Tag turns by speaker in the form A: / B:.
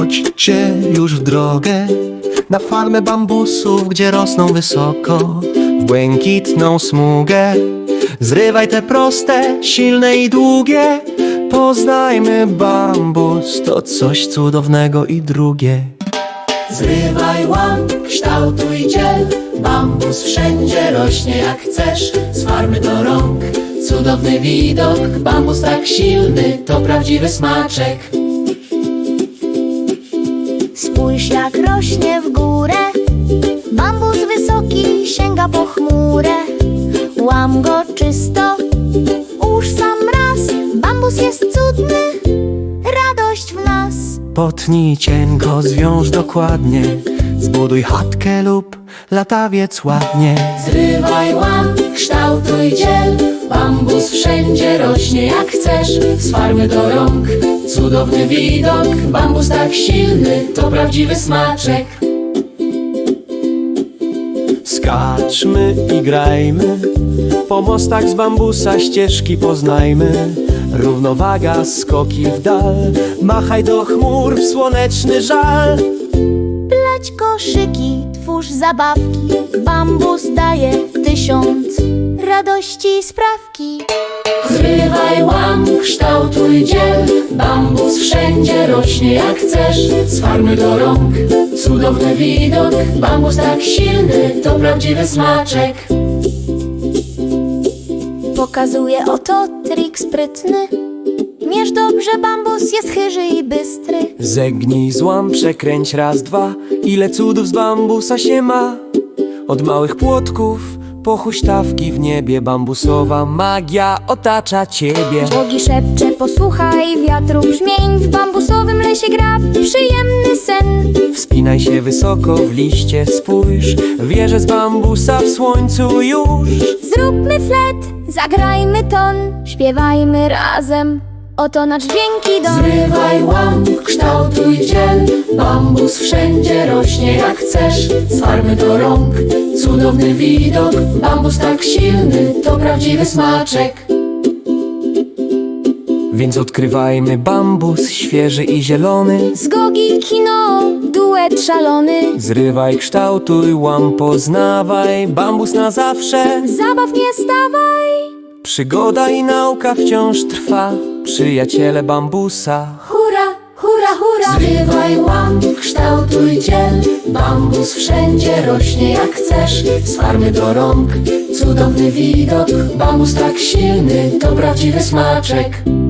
A: Wchodźcie już w drogę na farmę bambusów, gdzie rosną wysoko w błękitną smugę. Zrywaj te proste, silne i długie. Poznajmy bambus, to coś cudownego i drugie.
B: Zrywaj, łam, kształtuj, dziel. Bambus wszędzie rośnie jak chcesz. Z farmy do rąk, cudowny widok. Bambus tak silny, to prawdziwy smaczek.
C: Spójrz jak rośnie w górę. Bambus wysoki sięga po chmurę. Łam go czysto, ułóż sam raz. Bambus jest cudny, radość w nas.
A: Potnij cienko, zwiąż dokładnie. Zbuduj chatkę lub latawiec ładnie.
B: Zrywaj, łam, kształtuj, dziel. Bambus wszędzie rośnie jak chcesz. Z farmy do rąk, cudowny widok. Bambus tak silny, to prawdziwy smaczek.
A: Skaczmy i grajmy, po mostach z bambusa ścieżki poznajmy. Równowaga, skoki w dal, machaj do chmur w słoneczny żal.
C: Pleć koszyki, twórz zabawki. Bambus daje 1000 radości i sprawki.
B: Zrywaj, łam, kształtuj, dziel. Bambus wszędzie rośnie jak chcesz. Z farmy do rąk, cudowny widok. Bambus tak silny, to prawdziwy smaczek.
C: Pokazuje oto trik sprytny. Mierz dobrze, bambus jest chyży i bystry.
A: Zegnij, złam, przekręć raz, dwa. Ile cudów z bambusa się ma. Od małych płotków po huśtawki w niebie. Bambusowa magia otacza ciebie.
C: Bogi szepcze, posłuchaj wiatru brzmień. W bambusowym lesie gra przyjemny sen.
A: Wspinaj się wysoko w liście, spójrz. Wieże z bambusa w słońcu już.
C: Zróbmy flet, zagrajmy ton. Śpiewajmy razem, oto nasz dźwięki dom.
B: Zrywaj, łam, kształtuj, dziel. Bambus wszędzie rośnie jak chcesz. Z farmy do rąk, cudowny widok. Bambus tak silny, to prawdziwy smaczek.
A: Więc odkrywajmy bambus świeży i zielony.
C: Z Gogi kino, duet szalony.
A: Zrywaj, kształtuj, łam, poznawaj. Bambus na zawsze.
C: Zabaw nie stawaj.
A: Przygoda i nauka wciąż trwa. Przyjaciele bambusa.
C: Hurra, hurra, hurra.
B: Zrywaj, łam, kształtuj, dziel. Bambus wszędzie rośnie jak chcesz. Z farmy do rąk, cudowny widok. Bambus tak silny, to prawdziwy smaczek.